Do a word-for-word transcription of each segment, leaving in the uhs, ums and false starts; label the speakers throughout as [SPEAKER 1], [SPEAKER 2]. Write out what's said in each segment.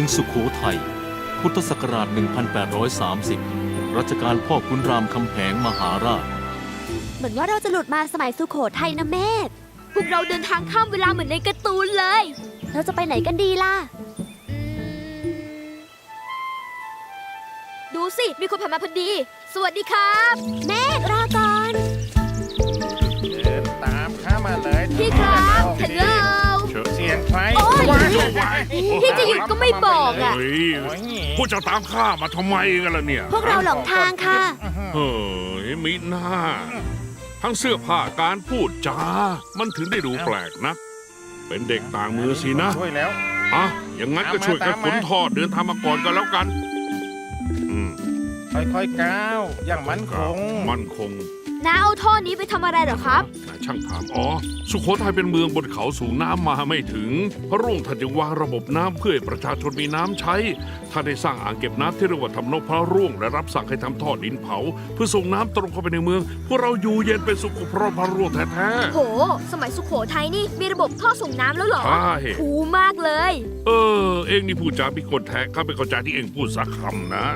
[SPEAKER 1] สุโขทัยพุทธศักราช หนึ่งพันแปดร้อยสามสิบ รัชกาลพ่อขุนรามคำแหงมหาราช
[SPEAKER 2] เหมือนว่าเราจะหลุดมาสมัยสุโขทัยนะเมธ
[SPEAKER 3] พวกเราเดินทางข้ามเวลาเหมือนในการ์ตูนเลย
[SPEAKER 2] เราจะไปไหนกันดีล่ะ
[SPEAKER 3] ดูสิ มีคนผ่านมาพอดี สวัสดีครับ
[SPEAKER 2] เมธรอก่อน
[SPEAKER 4] เดินตามข้ามาเลย
[SPEAKER 3] พี่ครับฮัลโหล
[SPEAKER 4] เสียงใคร
[SPEAKER 3] โอ้ย
[SPEAKER 4] ว้าย
[SPEAKER 3] พี่จะหยุดก็ไม่บอกอ่ะ
[SPEAKER 5] เฮ้ย
[SPEAKER 4] โอ้ย
[SPEAKER 5] พวกเจ้าตามข้ามาทำไมกันล่ะเนี่ย
[SPEAKER 2] พวกเราหลงทางค่ะ
[SPEAKER 5] เฮ้ยมิหน้า ทั้งเสื้อผ้าการพูดจา มันถึงได้ดูแปลกนะ เป็นเด็กต่างเมืองสินะ
[SPEAKER 4] ช่วยแล้ว
[SPEAKER 5] อ่ะอย่างงั้นก็ช่วยกันขนทอดเดินทางมาก่อนกันแล้วกัน อืม
[SPEAKER 4] ค่อยๆก้าวอย่างมั่นคง
[SPEAKER 5] มั่นคง
[SPEAKER 3] น้าเอาท่อนี้ไปทำอะไรเหรอครับ
[SPEAKER 5] นายช่างถามอ๋อ สุโขทัยเป็นเมืองบนเขาสูงน้ำมาไม่ถึง พระร่วงท่านจึงวางระบบน้ำเพื่อให้ประชาชนมีน้ำใช้ท่านได้สร้างอ่างเก็บน้ำที่เรียกว่าทำนบพระร่วงและรับสั่งให้ทำท่อดินเผา เพื่อส่งน้ำตรงเข้าไปในเมือง พวกเราอยู่เย็นเป็นสุขเพราะพระร่วงแท้
[SPEAKER 3] โห สมัยสุโขทัยนี่มีระบบท่อส่งน้ำแล้วเหรอ
[SPEAKER 5] ๆใช่
[SPEAKER 3] คูลมากเลย
[SPEAKER 5] เออ เองนี่พูดจาพิกลแท้ข้าไม่เข้าใจที่เองพูดสักคำนะ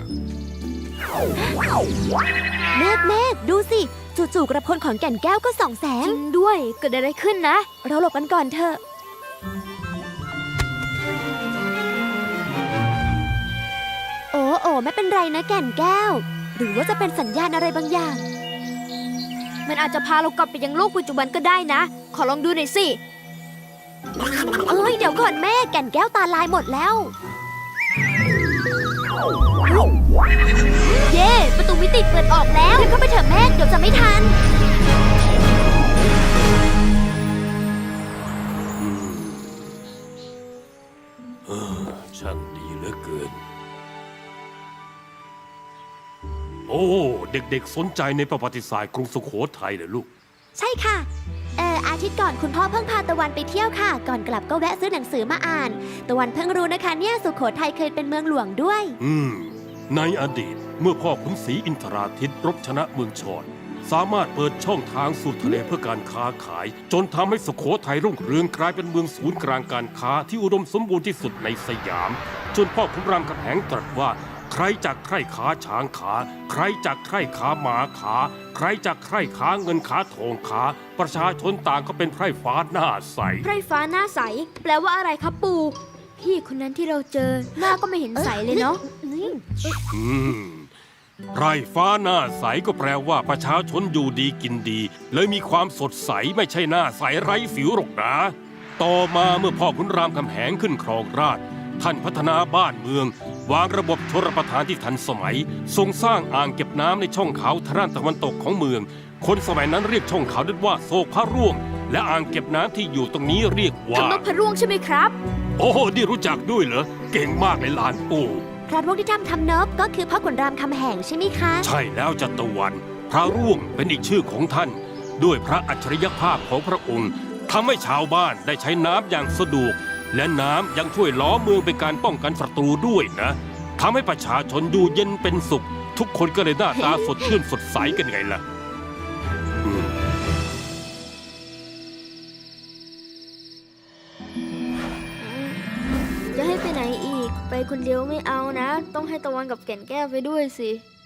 [SPEAKER 2] เมธเมธดูสิ จู่ๆกระพลของแก่นแก้วก็ส่องแส
[SPEAKER 3] จ
[SPEAKER 2] ง
[SPEAKER 3] ริงด้วย เกิดอะไรขึ้นนะ
[SPEAKER 2] เราหลบกันก่อนเถอะ โอ้โอ้ไม่เป็นไรนะแก่นแก้ว หรือว่าจะเป็นสัญญาณอะไรบางอย่าง
[SPEAKER 3] มันอาจจะพาเรากลับไปยังโลกปัจจุบันก็ได้นะ ขอลองดูหน่อยสิ
[SPEAKER 2] เอ้ยเดี๋ยวก่อนแม่แก่นแก้วตาลายหมดแล้ว
[SPEAKER 3] เย่ประตูมิติเปิดออกแล้ว
[SPEAKER 2] รีบเข้าไปเถอะแม่เดี๋ยวจะไม่ทัน
[SPEAKER 6] ช่างดีเหลือเกิน โอ้ เด็กๆสนใจในประวัติศาสตร์กรุงสุโขทัยเลยลูก
[SPEAKER 2] ใช่ค่ะ เอออาทิตย์ก่อนคุณพ่อเพิ่งพาตะวันไปเที่ยวค่ะ ก่อนกลับก็แวะซื้อหนังสือมาอ่าน ตะวันเพิ่งรู้นะคะเนี่ยสุโขทัยเคยเป็นเมืองหลวงด้วย
[SPEAKER 6] อืม ในอดีตเมื่อพ่อขุนศรีอินทราทิตรบชนะเมืองชอนสามารถเปิดช่องทางสู่ทะเลเพื่อการค้าขาย จนทำให้สุโขทัยรุ่งเรืองกลายเป็นเมืองศูนย์กลางการค้าที่อุดมสมบูรณ์ที่สุดในสยาม จนพ่อขุนรามคำแหงตรัสว่า ใครจากใครขาช้างขา ใครจากใครขาหมาขา ใครจากใครขาเงินขาทองขา ประชาชนต่างก็เป็นไพร่ฟ้าหน้าใส
[SPEAKER 3] ไพร่ฟ้าหน้าใส แปลว่าอะไรครับปู่ พี่คนนั้นที่เราเจอ หน้าก็ไม่เห็นใสเลยเนาะ
[SPEAKER 6] อืมไร่ฟ้าหน้าใสก็แปลว่าประชาชนอยู่ดีกินดี เลยมีความสดใสไม่ใช่หน้าใสไร้สิวหรอกนะ ต่อมาเมื่อพ่อขุนรามคำแหงขึ้นครองราชย์ท่านพัฒนาบ้านเมือง วางระบบชลประทานที่ทันสมัยทรงสร้างอ่างเก็บน้ำในช่องเขาทางด้านตะวันตกของเมือง คนสมัยนั้นเรียกช่องเขานั้นว่าโศกพระร่วง และอ่างเก็บน้ำที่อยู่ตรงนี้เรียกว่า
[SPEAKER 3] ทำนกพระร่วงใช่ไหมครับ
[SPEAKER 6] โอ้นี่รู้จักด้วยเหรอเก่งมากในลานปู่
[SPEAKER 2] พระร่วงที่ทำทำเนิบก็คือพ่อขุนรามคำแหงใช่ไหมคะ
[SPEAKER 6] ใช่แล้วจัตวัน พระร่วงเป็นอีกชื่อของท่าน ด้วยพระอัจฉริยภาพของพระองค์ทำให้ชาวบ้านได้ใช้น้ำอย่างสะดวก และน้ำยังช่วยล้อเมืองเป็นการป้องกันศัตรูด้วยนะทำให้ประชาชนอยู่เย็นเป็นสุข ทุกคนก็เลยหน้าตาสดชื่นสดใสกันไงล่ะอืม
[SPEAKER 3] จะให้ไปไหนอีก ไปคนเดียวไม่เอานะ ต้องให้ตะวันกับแก่นแก้วไปด้วยสิ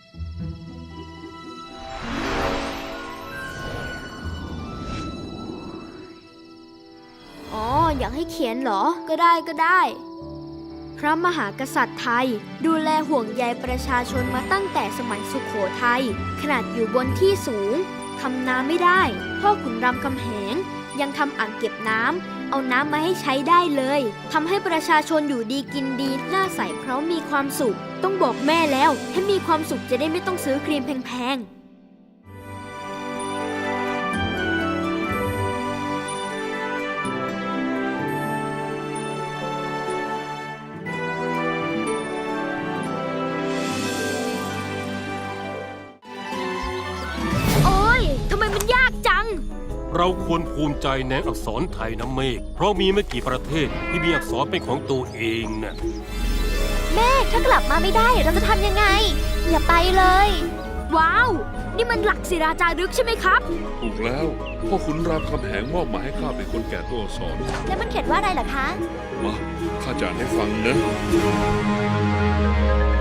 [SPEAKER 3] อ๋อ อยากให้เขียนเหรอ ก็ได้ก็ได้ พระมหากษัตริย์ไทย ดูแลห่วงใยประชาชนมาตั้งแต่สมัยสุโขทัยขนาดอยู่บนที่สูงทำนาไม่ได้ พ่อขุนรามคำแหงยังทำอ่างเก็บน้ำเอาน้ำมาให้ใช้ได้เลยทำให้ประชาชนอยู่ดีกินดีหน้าใสเพราะมีความสุข ต้องบอกแม่แล้วให้มีความสุขจะได้ไม่ต้องซื้อครีมแพงๆทำไมมันยากจัง
[SPEAKER 6] เราควรภูมิใจในอักษรไทยนะเมฆเพราะมีไม่กี่ประเทศที่มีอักษรเป็นของตัวเองนะ
[SPEAKER 2] แม่ถ้ากลับมาไม่ได้เราจะทำยังไง อย่าไปเลย
[SPEAKER 3] ว้าวนี่มันหลักศิราจารึกใช่ไหมครับ
[SPEAKER 5] ถูกแล้ว พ่อขุนรามคำแหงมอบหมายให้ข้าเป็นคนแก่ตัวอักษร
[SPEAKER 2] แล้วมันเขียนว่าอะไรเหรอคะ
[SPEAKER 5] มาข้าจะอ่านให้ฟังนะ